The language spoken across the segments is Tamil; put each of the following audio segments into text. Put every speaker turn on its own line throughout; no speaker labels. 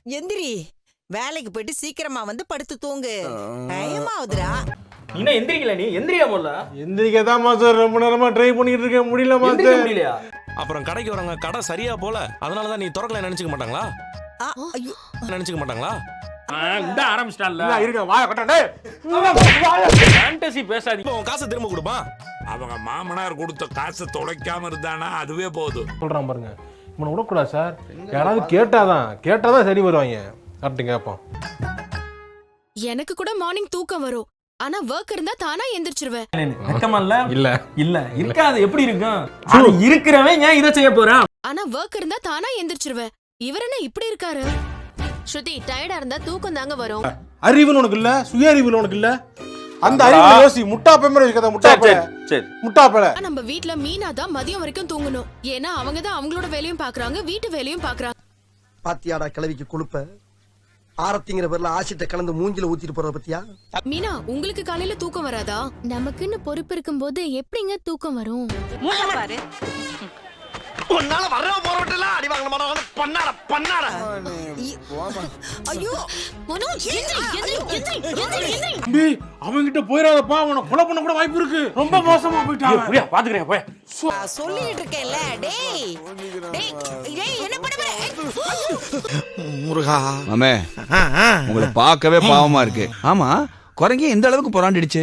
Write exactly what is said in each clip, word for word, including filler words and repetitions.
எந்திரி, வேலைக்கு போயிட்டு சீக்கிரமா வந்து படுத்து தூங்கு. டைம் ஆகுதுடா.
நீ எந்திரிக்கல, நீ எந்திரியா போல.
எந்திரிக்கதான் மாஸ்டர் ரொம்ப நேரமா ட்ரை பண்ணிட்டு இருக்கேன், முடியல மாஸ்டர்.
முடியலையா?
அப்புறம் கடைக்கு வரவங்க கடை சரியா போல, அதனாலதான் நீ திறக்கல நினைச்சுக்க மாட்டாங்களா?
ஆ, ஐயோ.
நினைச்சுக்க மாட்டாங்களா?
இந்த ஆரம்பிச்சிட்டான்ல.
இருங்க வாய கட்டடே.
ஃபேண்டசி பேசாதீங்க.
இப்போ உன் காசை திரும்ப கொடுப்பா.
அவங்க மாமனார் கொடுத்த காசை தொலைக்காம இருந்தானா அதுவே போதும்.
சொல்றான் பாருங்க, இவனை விடக்கூடாது சார். யாராவது கேட்டாதான் கேட்டாதான் சரி வருவாங்க. கரெக்டு கேட்போம்.
எனக்கு கூட மார்னிங் தூக்கம் வரும், ஆனா ஒர்க் இருந்தா தானா எந்திரிச்சிருவேன்.
வெக்கமல்ல?
இல்ல
இல்ல இருக்காது. எப்படி இருக்கும்? அது இருக்கிறவன் ஏன் இதை செய்ய போறான்?
ஆனா ஒர்க் இருந்தா தானா எந்திரிச்சிருவேன். இவர் என்ன இப்படி இருக்காரு? ஸ்ருதி, டயர்டா இருந்தா தூக்கம் தாங்க வரும்.
அறிவுன்னு உனக்கு இல்ல, சுய அறிவு உனக்கு இல்ல. அந்த அறிவு யோசி. முட்டா பேமரை கதை முட்டா பேல.
சரி
முட்டா பேல.
நம்ம வீட்ல மீனா தான் மதியம் வரைக்கும் தூங்கணும். ஏன்னா அவங்க தான் அவங்களோட வேலையும் பாக்குறாங்க, வீட்டு வேலையும் பாக்குறாங்க.
பாத்தியாடா கிளவிக்கு கொழுப்ப. ஆரத்திங்கிற பேர்ல ஆசிட்ட கலந்து மூஞ்சில ஊத்திட்டு போறத பத்தியா?
மீனா, உங்களுக்கு காலையில தூக்கம் வராதா? நமக்குன்னு பொறுப்பு இருக்கும்போது எப்படிங்க தூக்கம் வரும்?
பாரு.
உன்னால வர்ற போறவட்டெல்லாம் அடி வாங்க மாட்டாங்க. பண்ணாட பண்ணாட.
ஐயோ,
மனோஜ், எந்திரி, எந்திரி, எந்திரி, எந்திரி, எந்திரி.
தம்பி அவன்கிட்ட போயிடாதப்பா, அவனை கொலை பண்ண கூட வாய்ப்பு இருக்கு. ரொம்ப மோசமா போயிட்டான்.
புரியா? பாத்துக்கிறேன் போய்.
நான் சொல்லிட்டு இருக்கேன்ல. டேய் டேய் டேய், என்ன பண்ண போற?
முருகா.
மாமே, உங்களை பார்க்கவே பாவமா இருக்கு. ஆமா, குரங்கே எந்த அளவுக்கு புறாண்டிடுச்சு?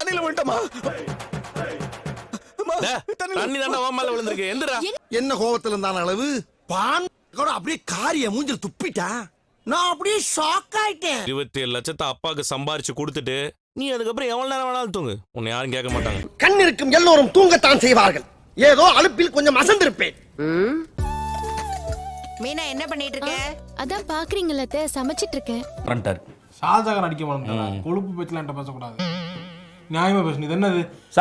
தண்ணி தாண்டா உன் மேல விழுந்திருக்கு. எந்திரா.
என்ன கோவத்துல இருந்தான அளவு பான் கூட அப்படியே காரிய மூஞ்சில துப்பிட்டா. நான் அப்படியே ஷாக் ஆயிட்டேன்.
இருபத்தி ஏழு லட்சத்தை அப்பாவுக்கு சம்பாரிச்சு கொடுத்துட்டு நீ அதுக்கப்புறம் எவ்வளவு நேரம் வேணாலும் தூங்கு, உன்னை யாரும் கேட்க மாட்டாங்க.
கண் இருக்கும் எல்லோரும் தூங்கத்தான் செய்வார்கள். ஏதோ அலுப்பில் கொஞ்சம் அசந்திருப்பேன்.
மீனா, என்ன பண்ணிட்டு இருக்க?
அதான் பாக்குறீங்களா, சமைச்சிட்டு இருக்கேன்.
ஃப்ரண்டர்
ஷாஜகான் அடிக்க மாட்டேன். கொழுப்பு பேச்சலாம் பேசக்கூடாது. நியாயமா பேசணும். இது என்னது?